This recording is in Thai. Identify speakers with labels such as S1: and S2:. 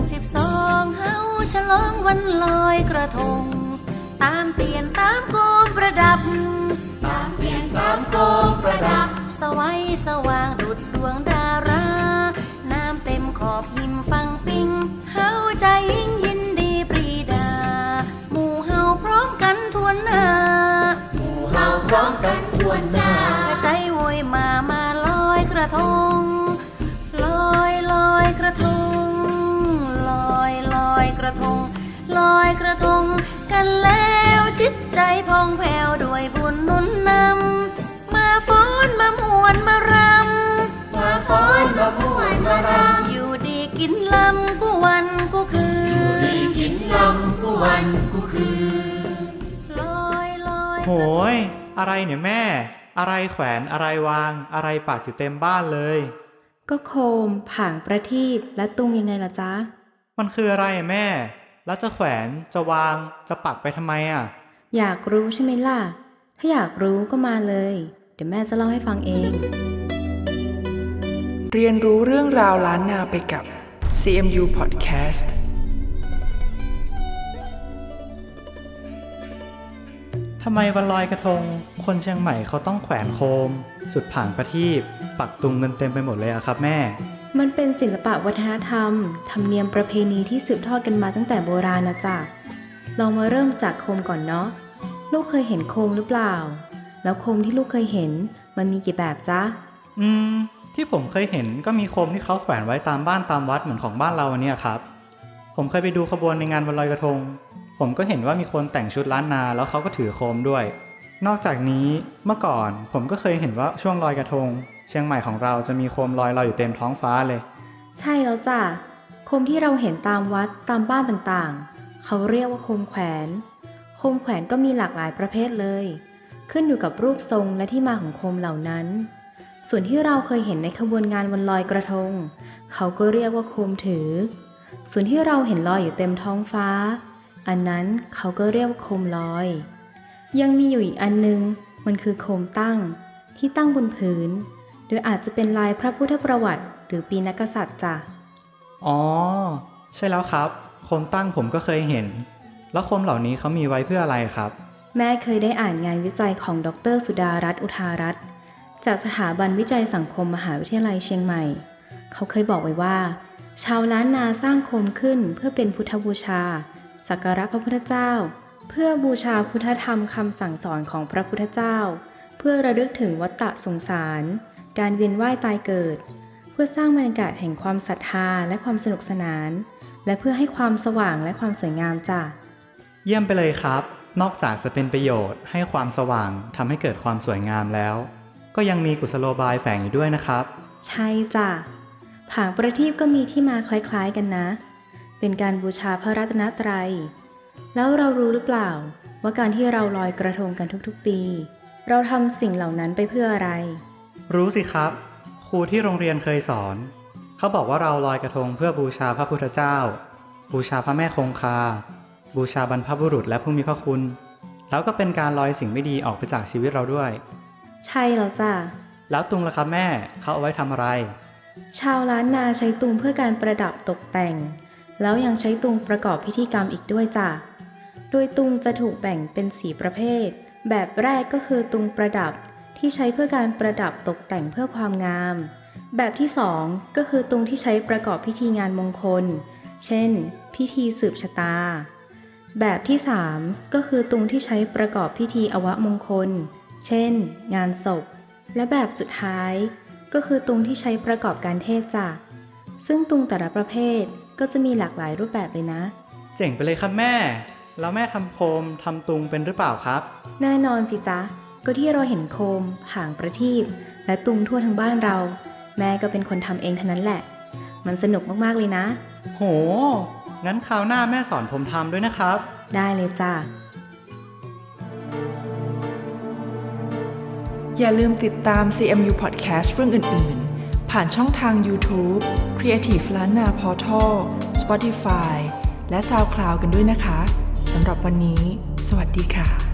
S1: 12เฮาฉลองวันลอยกระทงตามเตียนตามโคมประดับ
S2: ตามเตียนตามโคมประดับ
S1: สวัยสว่างดุจดวงดาราน้ำเต็มขอบหิมฟังปิงเฮาใจยิ่งยินดีปรีดาหมู่เฮาพร้อมกันทวนหน้า
S2: หมู่เฮาพร้อมกันทวนหน้าก
S1: ระใจโวยมาลอยกระทงลอยกระทงลอยกระทงลอยกระทงกันแล้วจิตใจพองแผ้วด้วยบุญหนุนนำมาฟ้อนมามวนมารำ
S2: มาฟ้อนมามวนมาร
S1: ำอยู่ดีกินลำกูวันกูคืน
S2: อยู่ดีกินลำกูวันกูคืน
S1: ลอย
S3: โหยอะไรเนี่ยแม่อะไรแขวนอะไรวางอะไรปักอยู่เต็มบ้านเลย
S4: ก็โคมผางประทีปและตุงยังไงล่ะจ๊ะ
S3: มันคืออะไรแม่แล้วจะแขวนจะวางจะปักไปทำไม
S4: อยากรู้ใช่ไหมล่ะถ้าอยากรู้ก็มาเลยเดี๋ยวแม่จะเล่าให้ฟังเอง
S5: เรียนรู้เรื่องราวล้านนาไปกับ CMU Podcast
S3: ทำไมวันลอยกระทงคนเชียงใหม่เขาต้องแขวนโคมจุดผางประทีปปักตุงเงินเต็มไปหมดเลยครับแม่
S4: มันเป็นศิลปะวัฒนธรรมธรรมเนียมประเพณีที่สืบทอดกันมาตั้งแต่โบราณนะจ๊ะลองมาเริ่มจากโคมก่อนเนาะลูกเคยเห็นโคมหรือเปล่าแล้วโคมที่ลูกเคยเห็นมันมีกี่แบบจ๊ะ
S3: ที่ผมเคยเห็นก็มีโคมที่เขาแขวนไว้ตามบ้านตามวัดเหมือนของบ้านเราเนี่ยครับผมเคยไปดูขบวนในงานวันลอยกระทงผมก็เห็นว่ามีคนแต่งชุดล้านนาแล้วเขาก็ถือโคมด้วยนอกจากนี้เมื่อก่อนผมก็เคยเห็นว่าช่วงลอยกระทงเชียงใหม่ของเราจะมีโคมลอยอยู่เต็มท้องฟ้าเลย
S4: ใช่แล้วจ้ะโคมที่เราเห็นตามวัดตามบ้านต่างๆเขาเรียกว่าโคมแขวนโคมแขวนก็มีหลากหลายประเภทเลยขึ้นอยู่กับรูปทรงและที่มาของโคมเหล่านั้นส่วนที่เราเคยเห็นในขบวนงานวันลอยกระทงเขาก็เรียกว่าโคมถือส่วนที่เราเห็นลอยอยู่เต็มท้องฟ้าอันนั้นเขาก็เรียกว่าโคมลอยยังมีอยู่อีกอันนึงมันคือโคมตั้งที่ตั้งบนพื้นโดยอาจจะเป็นลายพระพุทธประวัติหรือปีนักษัตริย์จ้ะ
S3: อ๋อใช่แล้วครับโคมตั้งผมก็เคยเห็นแล้วโคมเหล่านี้เขามีไว้เพื่ออะไรครับ
S4: แม่เคยได้อ่านงานวิจัยของดร.สุดารัตน์อุทารัตน์จากสถาบันวิจัยสังคมมหาวิทยาลัยเชียงใหม่เขาเคยบอกไว้ว่าชาวล้านนาสร้างโคมขึ้นเพื่อเป็นพุทธบูชาสักการะพระพุทธเจ้าเพื่อบูชาพุทธธรรมคำสั่งสอนของพระพุทธเจ้าเพื่อระลึกถึงวัฏฏะสงสารการเวียนว่ายตายเกิดเพื่อสร้างบรรยากาศแห่งความศรัทธาและความสนุกสนานและเพื่อให้ความสว่างและความสวยงามจ้ะ
S3: เยี่ยมไปเลยครับนอกจากจะเป็นประโยชน์ให้ความสว่างทำให้เกิดความสวยงามแล้วก็ยังมีกุศโลบายแฝงอยู่ด้วยนะครับ
S4: ใช่จ้ะผางประทีปก็มีที่มาคล้ายๆกันนะเป็นการบูชาพระรัตนตรัยแล้วเรารู้หรือเปล่าว่าการที่เราลอยกระทงกันทุกๆปีเราทำสิ่งเหล่านั้นไปเพื่ออะไร
S3: รู้สิครับครูที่โรงเรียนเคยสอนเขาบอกว่าเราลอยกระทงเพื่อบูชาพระพุทธเจ้าบูชาพระแม่คงคาบูชาบรรพบุรุษและผู้มีพระคุณแล้วก็เป็นการลอยสิ่งไม่ดีออกไปจากชีวิตเราด้วย
S4: ใช่แล้วจ้ะ
S3: แล้วตุงล่ะครับแม่เขาเอาไว้ทำอะไร
S4: ชาวล้านนาใช้ตุงเพื่อการประดับตกแต่งแล้วยังใช้ตุงประกอบพิธีกรรมอีกด้วยจ้ะโดยตุงจะถูกแบ่งเป็น4ประเภทแบบแรกก็คือตุงประดับที่ใช้เพื่อการประดับตกแต่งเพื่อความงามแบบที่2ก็คือตุงที่ใช้ประกอบพิธีงานมงคลเช่นพิธีสืบชะตาแบบที่3ก็คือตุงที่ใช้ประกอบพิธีอวมงคลเช่นงานศพและแบบสุดท้ายก็คือตุงที่ใช้ประกอบการเทศน์จ้ะซึ่งตุงแต่ละประเภทก็จะมีหลากหลายรูปแบบเลยนะ
S3: เจ๋งไปเลยครับแม่แล้วแม่ทำโคมทำตุงเป็นหรือเปล่าครับ
S4: แน่นอนสิจ๊ะก็ที่เราเห็นโคมผางประทีปและตุงทั่วทั้งบ้านเราแม่ก็เป็นคนทำเองเท่านั้นแหละมันสนุกมากๆเลยนะ
S3: โหงั้นคราวหน้าแม่สอนผมทำด้วยนะครับ
S4: ได้เลยจ้ะ
S5: อย่าลืมติดตาม CMU Podcast เรื่องอื่นๆผ่านช่องทาง YouTube Creative ล้านนา Portal Spotify และ SoundCloud กันด้วยนะคะสำหรับวันนี้สวัสดีค่ะ